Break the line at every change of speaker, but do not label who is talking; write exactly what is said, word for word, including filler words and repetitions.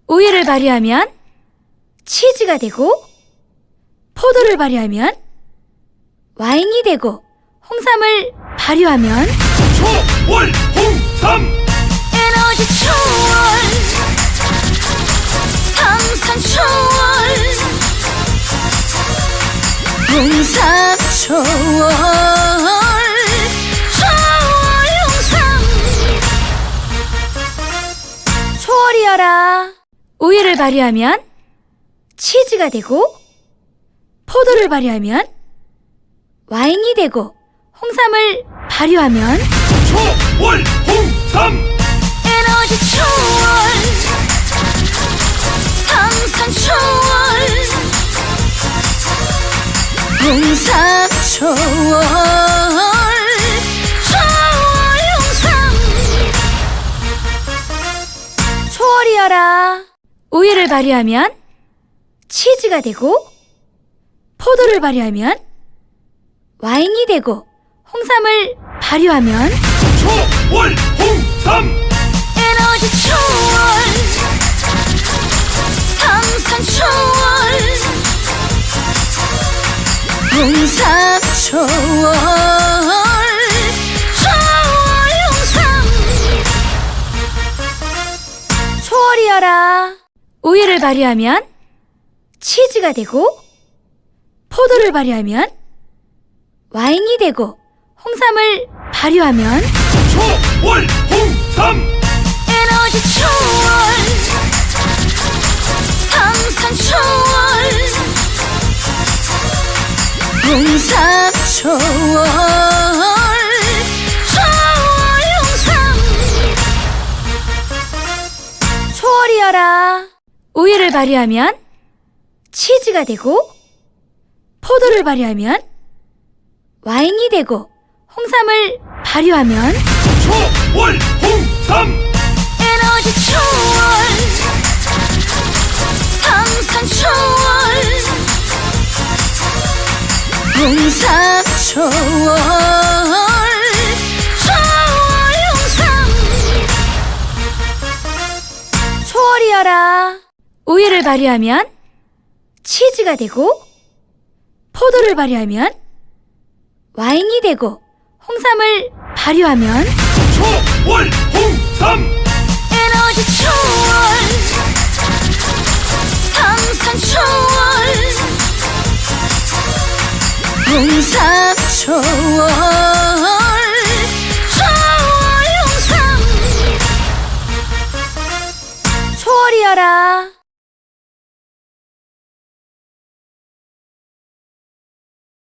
우유를 발효하면 치즈가 되고, 포도를 발효하면 와인이 되고, 홍삼을 발효하면
초월 홍삼
에너지 초월, 상상 초월, 홍삼 초월, 초월 홍삼. 초월이여라. 우유를 발효하면 치즈가 되고, 포도를 발효하면 와인이 되고, 홍삼을 발효하면
초월 홍삼
에너지 초월, 상상 초월, 홍삼 초월, 초월 홍삼. 초월이여라. 우유를 발효하면 치즈가 되고, 포도를 발효하면 와인이 되고, 홍삼을 발효하면
초월 홍삼
에너지 초월, 상상 초월, 홍삼 초월, 초월 홍삼. 초월이여라. 우유를 발효하면 치즈가 되고, 포도를 발효하면 와인이 되고, 홍삼을 발효하면
초월 홍삼
에너지 초월, 상상 초월, 홍삼 초월, 초월 홍삼. 초월이여라. 우유를 발효하면 치즈가 되고, 포도를 발효하면 와인이 되고, 홍삼을 발효하면
초월 홍삼
에너지 초월, 상상 초월, 홍삼 초월, 초월 홍삼. 초월이여라. 우유를 발효하면 치즈가 되고, 포도를 발효하면 와인이 되고, 홍삼을 발효하면
초월 홍삼
에너지 초월, 상상 초월, 홍삼 초월, 초월 홍삼. 초월이여라.